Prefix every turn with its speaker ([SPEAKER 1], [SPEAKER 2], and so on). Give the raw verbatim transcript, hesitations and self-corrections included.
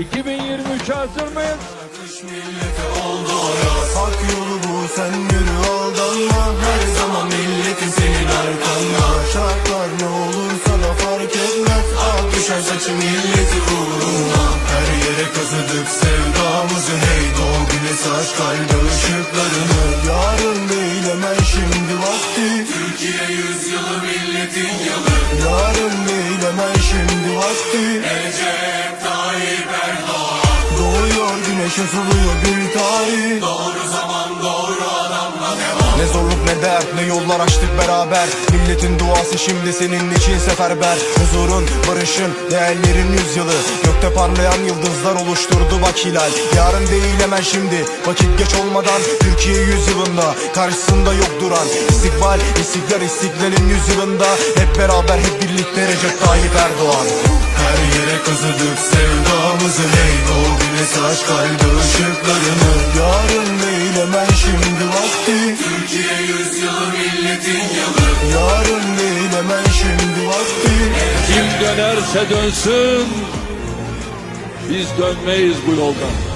[SPEAKER 1] iki bin yirmi üçe hazır mıyız?
[SPEAKER 2] Kış milleti oldu ayaz. Hak yolu bu, sen yürü aldanma. Her zaman milletin senin arkanda. Şartlar ne olursa da fark etmez. Ak düşer saçı milleti uğruna. Her yere kazıdık sevdamızı. Hey doğ güneş aç kalbe ışıklarını. Yarın değil hemen şimdi vakti. Türkiye yüzyılı milletin yılı. Yarın değil hemen şimdi vakti. Recep Tayyip Erdoğan. Doğuyor güneş, ısılıyor bir tarih. Doğru zaman doğru adamla devam.
[SPEAKER 3] Ne zorluk ne dert, ne yollar açtık beraber. Milletin duası şimdi senin için seferber. Huzurun, barışın, değerlerin yüzyılı. Gökte parlayan yıldızlar oluşturdu bak hilal. Yarın değil hemen şimdi, vakit geç olmadan. Türkiye yüzyılında, karşısında yok duran. İstikbal, istiklal, istiklalin yüzyılında. Hep beraber, hep birlikte Recep Tayyip Erdoğan.
[SPEAKER 2] Her yere kazıdık sevdamızı. Hey doğ güneş aç kalbe ışıklarını. Yarın değil hemen şimdi vakti. Türkiye yüzyılı milletin yılı. Yarın değil hemen şimdi vakti.
[SPEAKER 1] Kim dönerse dönsün, biz dönmeyiz bu yoldan.